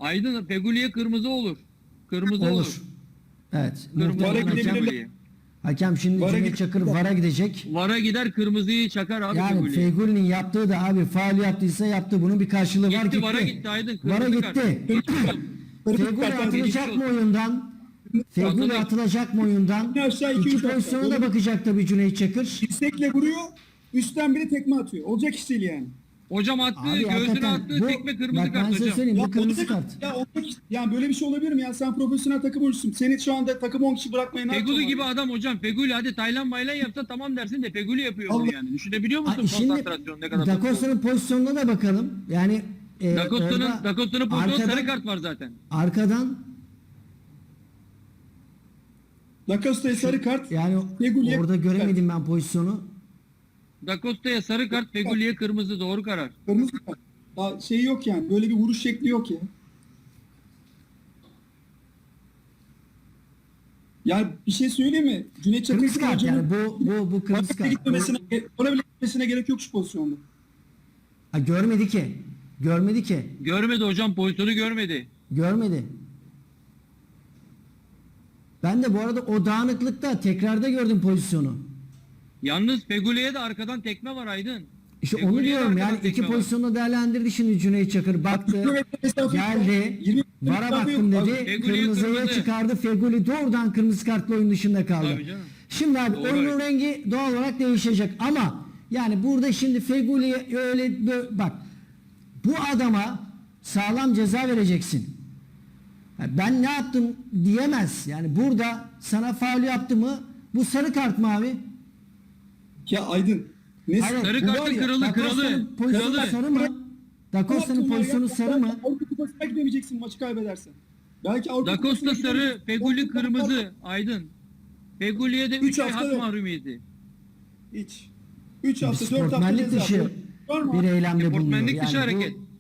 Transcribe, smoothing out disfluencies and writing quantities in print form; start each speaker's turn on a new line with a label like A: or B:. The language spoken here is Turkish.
A: Aydın Feguli'ye kırmızı olur. Kırmızı olur.
B: Evet.
A: Kırmızı
B: Muhtemelen
A: olur
B: hakem,
A: Feguli'ye.
B: hakem şimdi
C: VAR'a
B: Cüneyt
C: gidecek.
B: Çakır VAR'a gidecek.
A: VAR'a gider kırmızıyı çakar abi
B: Yani
A: Feguli'ye.
B: Fegüli'nin yaptığı da abi faul yaptıysa yaptı. Bunun bir karşılığı var,
A: Gitti
B: gitti.
A: VAR'a gitti Aydın.
B: VAR'a
A: Kırmızı kart.
B: gitti. Fegüli
C: kart abi,
B: atılacak
A: geçmiş
B: mı oyundan? Fegüli
A: Atılır.
B: atılacak mı oyundan?
C: Aşağı iki,
B: İki
C: üç
B: pozisyona
C: atacak.
B: da bakacak tabii Cüneyt Çakır.
C: Dirsekle vuruyor. Üstten biri tekme atıyor. Olacak iş değil yani.
A: Hocam attı,
B: Abi
A: göğsüne
B: hakikaten
A: attı,
B: bu,
A: tekme kırmızı
B: bak ben
A: kart
B: size
A: hocam.
B: söyleyeyim, bu kırmızı
C: olacak-
B: kart.
C: Ya olacak iş. Yani böyle bir şey olabilir mi ya? Sen profesyonel takım oyuncusun. Seni şu anda takım 10 kişi bırakmaya ne
A: Feguli
C: yapacaksın
A: gibi
C: abi?
A: adam hocam. Feguli hadi Taylan Baylan yapsa tamam dersin de Feguli yapıyor bunu
C: Allah-
A: yani. Düşünebiliyor musun
B: Ay, şimdi
A: konsantrasyon ne kadar?
B: Da Costa'nın pozisyonuna da bakalım. Yani
A: Da Costa'nın
B: orada
A: pozisyonu
B: arkadan-
A: sarı kart var zaten.
B: Arkadan
C: Da Costa'ya sarı kart.
B: yani
C: Feguli'ye
B: orada göremedim ben pozisyonu.
A: Da Costa'ya sarı kart, Feguli'ye kırmızı, doğru karar.
C: Kırmızı kart. Daha şey yok yani. Böyle bir vuruş şekli yok ya. Yani bir şey söyleyeyim mi? Cüneyt Çakır
B: Kırmızı kart
C: hocanın
B: yani bu kırmızı kart.
C: Ona bile gitmesine gerek yok şu pozisyonda.
B: Ha, görmedi ki. Görmedi ki.
A: Görmedi hocam, pozisyonu görmedi.
B: Görmedi. Ben de bu arada o dağınıklıkta tekrarda gördüm pozisyonu.
A: Yalnız Feguli'ye de arkadan tekme var Aydın.
B: İşte
A: Feguli'ye
B: onu diyorum
A: arkadan
B: yani iki
A: tekme var.
B: pozisyonu değerlendirdi şimdi Cüneyt Çakır. Baktı,
C: 20 metre mesafe yok.
B: geldi,
C: 20 metre
B: vara
C: mesafe
B: baktım
C: yok.
B: dedi,
A: Feguli'ye
B: kırmızıya
A: kırmızı.
B: çıkardı. Feguli doğrudan kırmızı kartla oyun dışında kaldı.
A: Tabii canım.
B: Şimdi abi
A: Doğru.
B: oyunun rengi doğal olarak değişecek ama yani burada şimdi Feguli'ye öyle bak bu adama sağlam ceza vereceksin. Yani ben ne yaptım diyemez. Yani burada sana faul yaptı mı bu sarı kart mı abi?
C: Ya Aydın. Ne
B: Hayır,
A: Sarı
B: bu
A: kartı
B: var ya,
A: kralı,
B: Da Costa'nın
A: kralı,
B: pozisyonu
A: kralı.
B: sarı mı? Da Costa'nın pozisyonu sarı mı?
C: Avrupa Kupası'na gidemeyeceksin maçı kaybedersen. Belki Avrupa
A: Da Costa
C: Kupası'na
A: sarı,
C: gidemeyeceksin.
A: Feguli
C: Avrupa
A: kırmızı. Aydın. Feguli'ye de 3
C: Üç
A: ay
C: hafta
A: hak
C: yok.
A: mahrumiyeti.
C: Hiç. 3
B: Bir
C: hafta 4 hafta
B: sportmenlik
C: ceza.
B: dışı
C: Var mı?
B: bir eylemde bulunuyor.
A: Sportmenlik dışı
B: Yani bu
A: hareket.